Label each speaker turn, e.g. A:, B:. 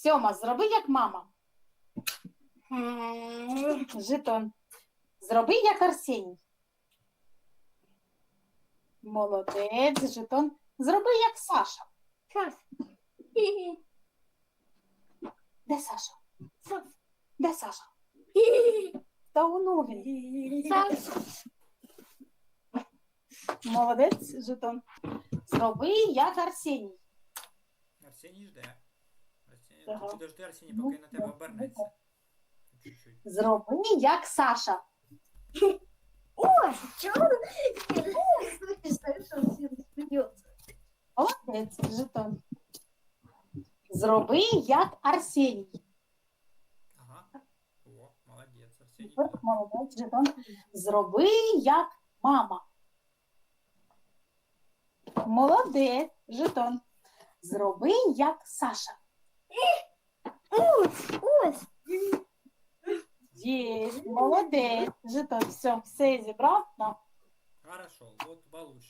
A: Сьома, зроби як мама. Жетон. Зроби як Арсеній. Молодець, жетон. Зроби як Саша. Де Саша? Де Саша? Та воно він. Молодець, жетон. Зроби як Арсеній.
B: Арсеній жде. Арсеній,
A: Ага.
B: ти підожди, Арсеній, поки на тебе обернеться. Чуть-чуть.
A: Зроби як Саша.
C: Ой, чего он смеется?
A: Молодець, жетон. Зроби як Арсеній.
B: Ага. О, молодець, Арсеній.
A: Супер, молодець, жетон. Зроби як мама. Молодець, жетон. Зроби як Саша.
C: Ось.
A: Є, молодець, жетон. Все зібрав. На.
B: Хорошо, от Валуш.